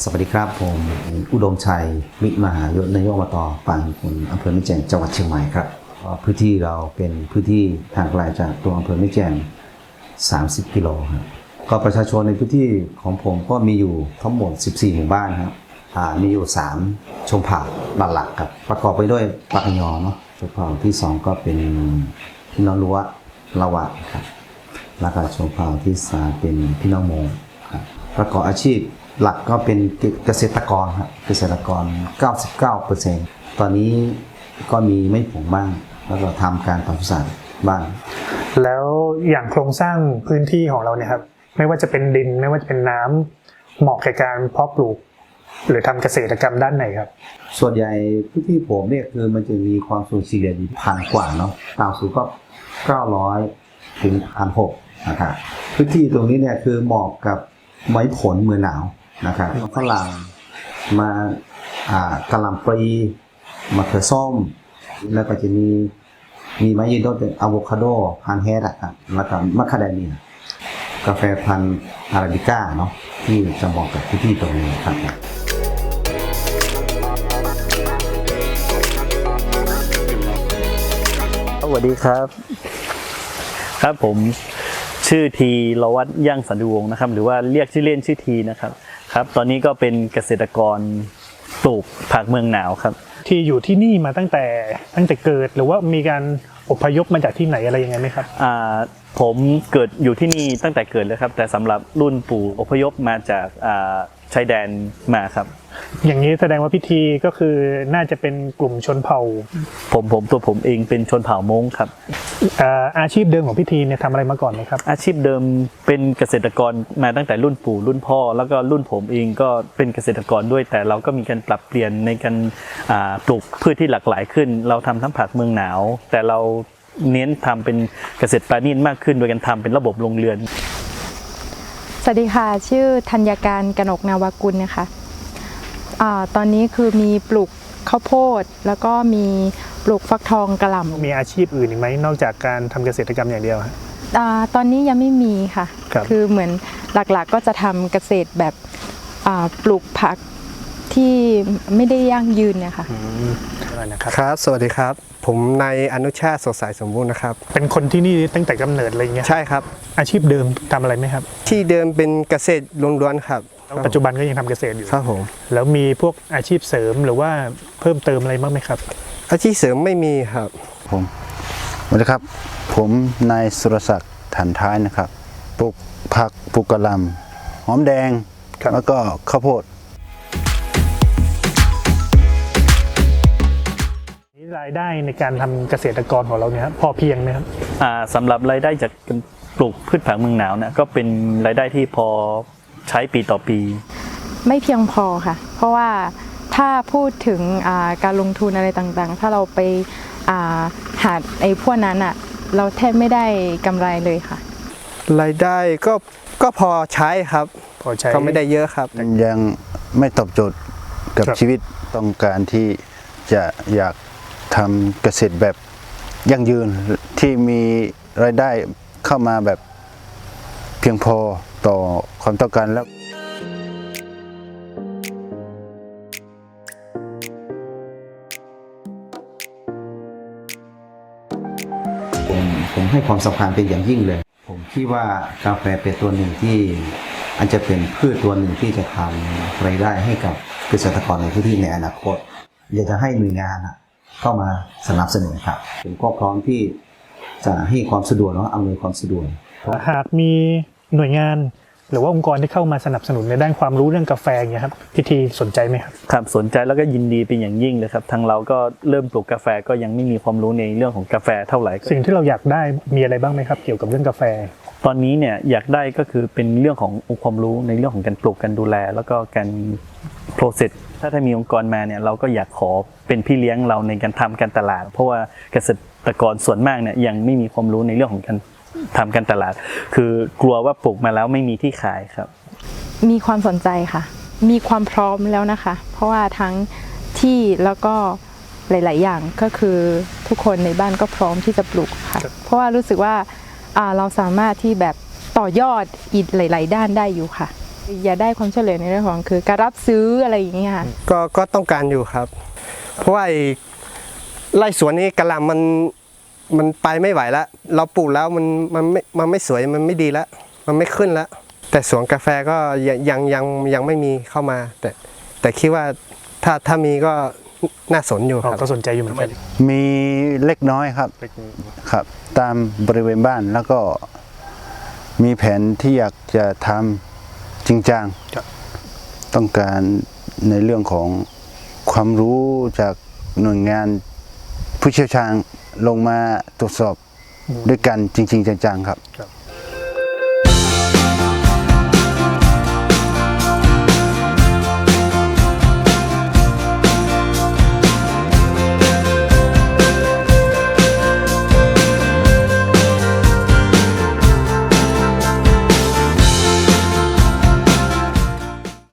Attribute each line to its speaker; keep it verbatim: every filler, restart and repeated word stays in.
Speaker 1: สวัสดีครับผมอุดมชัยวิมหายศนายกอบต.ปางคุณอำเภอแม่แจ่มจังหวัดเชียงใหม่ครับพื้นที่เราเป็นพื้นที่ทางไกลจากตัวอำเภอแม่แจ่มสามสิบกิโลครับก็ประชาชนในพื้นที่ของผมก็มีอยู่ทั้งหมดสิบสี่หมู่บ้านครับมีอยู่สามชนเผ่าหลักๆครับประกอบไปด้วยปากยอเนาะชนเผ่าที่สองก็เป็นพี่น้องรั้วละวะครับแล้วก็ชนเผ่าที่สามเป็นพี่น้องโมงครับประกอบอาชีพหลักก็เป็นเกษตรกรครับเกษตรกร เก้าสิบเก้าเปอร์เซ็นต์ ตอนนี้ก็มีไม่ผงบ้างแล้วก็ทำการปศุสัตว์บ้าง
Speaker 2: แล้วอย่างโครงสร้างพื้นที่ของเราเนี่ยครับไม่ว่าจะเป็นดินไม่ว่าจะเป็นน้ำเหมาะแก่การเพาะปลูกหรือทำเกษตรกรรมด้านไหนครับ
Speaker 1: ส่วนใหญ่พื้นที่ผมเนี่ยคือมันจะมีความสูงเฉลี่ยพันกว่าเนาะต่ำสุดก็เก้าร้อยถึงพันหกนะครับพื้นที่ตรงนี้เนี่ยคือเหมาะกับไม้ผลเมืองหนาวนะครับฝรั่งมาอ่ากะหล่ำปลีมะเขือส้มแล้วก็จะมีมีไม้ยืนต้นเป็นอะโวคาโดพันธุ์แฮดอะครับแล้วก็มะคาเดเมียกาแฟพันธุ์อาราบิก้าเนาะที่จะเหมาะกับพื้นที่ตรงนี้ครับ
Speaker 3: สวัสดีครับครับผมชื่อทีรวัตย่างสันติวงศ์นะครับหรือว่าเรียกชื่อเล่นชื่อทีนะครับครับตอนนี้ก็เป็นเกษตรกรปลูกผักเมืองหนาวครับ
Speaker 2: ที่อยู่ที่นี่มาตั้งแต่ตั้งแต่เกิดหรือว่ามีการอพยพมาจากที่ไหนอะไรยังไงไหมครับ
Speaker 3: อ่าผมเกิดอยู่ที่นี่ตั้งแต่เกิดเลยครับแต่สำหรับรุ่นปู่อพยพมาจากอ่าชายแดนมาครับ
Speaker 2: อย่างนี้แสดงว่าพิธีก็คือน่าจะเป็นกลุ่มชนเผ่า
Speaker 3: ผมผมตัวผมเองเป็นชนเผ่ามงครับ
Speaker 2: อาชีพเดิมของพิธีเนี่ยทำอะไรมาก่อนไหมครับ
Speaker 3: อาชีพเดิมเป็นเกษตรกรมาตั้งแต่รุ่นปู่รุ่นพ่อแล้วก็รุ่นผมเองก็เป็นเกษตรกรด้วยแต่เราก็มีการปรับเปลี่ยนในการปลูกพืชที่หลากหลายขึ้นเราทำทั้งผักเมืองหนาวแต่เราเน้นทำเป็นเกษตรปราณีตมากขึ้นโดยการทำเป็นระบบโรงเรือน
Speaker 4: สวัสดีค่ะชื่อธัญการกนกนาวากุลนะคะอ่าตอนนี้คือมีปลูกข้าวโพดแล้วก็มีปลูกฟักทองกะหล่ำ
Speaker 2: มีอาชีพอื่นอีกไหมนอกจากการทำเกษตรกรรมอย่างเดียว
Speaker 4: อ่าตอนนี้ยังไม่มีค่ะ ค, คือเหมือนหลักๆก็จะทำเกษตรแบบอ่าปลูกผักที่ไม่ได้ยั่งยืนเนี่ยค่ะ
Speaker 5: ครับสวัสดีครับผมนายอนุชาติสดใสสมบูรณ์นะครับ
Speaker 2: เป็นคนที่นี่ตั้งแต่กำเนิดอะไรเงี้ย
Speaker 5: ใช่ครับ
Speaker 2: อาชีพเดิมทำอะไรไหมครับ
Speaker 5: ที่เดิมเป็นเกษตรล้วนๆครับ
Speaker 2: ปัจจุบันก็ยังทำเกษตรอยู่
Speaker 5: ครับผม
Speaker 2: แล้วมีพวกอาชีพเสริมหรือว่าเพิ่มเติมอะไรบ้างไหมครับ
Speaker 5: อาชีพเสริมไม่มีครับ
Speaker 6: ผมสวัสดีครับผมนายสุรศักดิ์ถันท้ายนะครับปลูกผักปลูกกะหล่ำหอมแดงแล้วก็ข้าวโพด
Speaker 2: รายได้ในการทำเกษตรกรของเราเนี่ยพอเพียงไหมครับ
Speaker 3: สำหรับรายได้จากการปลูกพืชผักเมืองหนาวเนี่ยก็เป็นรายได้ที่พอใช้ปีต่อปี
Speaker 4: ไม่เพียงพอค่ะเพราะว่าถ้าพูดถึงการลงทุนอะไรต่างๆถ้าเราไปหาไอ้พวกนั้นอ่ะเราแทบไม่ได้กำไรเลยค่ะ
Speaker 5: รายได้ก็ก็พอใช้ครับ
Speaker 2: พอใช้
Speaker 5: ก็ไม่ได้เยอะครับ
Speaker 6: ยังไม่ตอบโจทย์กับชีวิตต้องการที่จะอยากทำเกษตรแบบยั่งยืนที่มีรายได้เข้ามาแบบเพียงพอต่อความต้องการแล้ว
Speaker 1: ผมผมให้ความสำคัญเป็นอย่างยิ่งเลยผมคิดว่ากาแฟเป็นตัวหนึ่งที่อันจะเป็นพืชตัวหนึ่งที่จะทำรายได้ให้กับเกษตรกรในพื้นที่ในอนาคตอยากจะให้หน่วยงานเข้ามาสนับสนุนครับผมก็พร้อมที่จะให้ความสะดวกและอำนวยความสะดวก
Speaker 2: หากมีหน่วยงานหรือว่าองค์กรที่เข้ามาสนับสนุนในด้านความรู้เรื่องกาแฟอย่างเงี้ยครับพิธีสนใจไหมครับ
Speaker 3: ครับสนใจแล้วก็ยินดีเป็นอย่างยิ่งเลยครับทางเราก็เริ่มปลูกกาแฟก็ยังไม่มีความรู้ในเรื่องของกาแฟเท่าไหร่
Speaker 2: สิ่งที่เราอยากได้มีอะไรบ้างไหมครับเกี่ยวกับเรื่องกาแฟ
Speaker 3: ตอนนี้เนี่ยอยากได้ก็คือเป็นเรื่องขององค์ความรู้ในเรื่องของการปลูกการดูแลแล้วก็การโปรเซสถ้าถ้ามีองค์กรมาเนี่ยเราก็อยากขอเป็นพี่เลี้ยงเราในการทำการตลาดเพราะว่าเกษตรกรส่วนมากเนี่ยยังไม่มีความรู้ในเรื่องของการทำการตลาดคือกลัวว่าปลูกมาแล้วไม่มีที่ขายครับ
Speaker 4: มีความสนใจค่ะมีความพร้อมแล้วนะคะเพราะว่าทั้งที่แล้วก็หลายๆอย่างก็คือทุกคนในบ้านก็พร้อมที่จะปลูกค่ะเพราะว่ารู้สึกว่าเราสามารถที่แบบต่อยอดอีกหลายๆด้านได้อยู่ค่ะอย่าได้ความช่วยเหลือในเรื่องของคือการรับซื้ออะไรอย่างเงี้ยค่ะ
Speaker 5: ก็ก็ต้องการอยู่ครับ เพราะว่าไอ้ไร่สวนนี้กะหล่ำมันมันไปไม่ไหวแล้วเราปลูกแล้วมันมันไม่มันไม่สวยมันไม่ดีแล้วมันไม่ขึ้นแล้ว แต่สวนกาแฟก็ยังยังยังยังไม่มีเข้ามา แต่แต่คิดว่าถ้าถ้ามีก็น่าสนอยู่ค
Speaker 2: เรา
Speaker 5: รับ
Speaker 2: ก็สนใจอยู่เหมือนกัน
Speaker 6: มีเล็กน้อยครับครับ ตามบริเวณบ้านแล้วก็มีแผนที่อยากจะทำจริงจัง
Speaker 2: ครับ
Speaker 6: ต้องการในเรื่องของความรู้จากหน่วยงานผู้เชี่ยวชาญลงมาตรวจสอบด้วยกันจริง ๆ จังๆครับ
Speaker 2: ครับ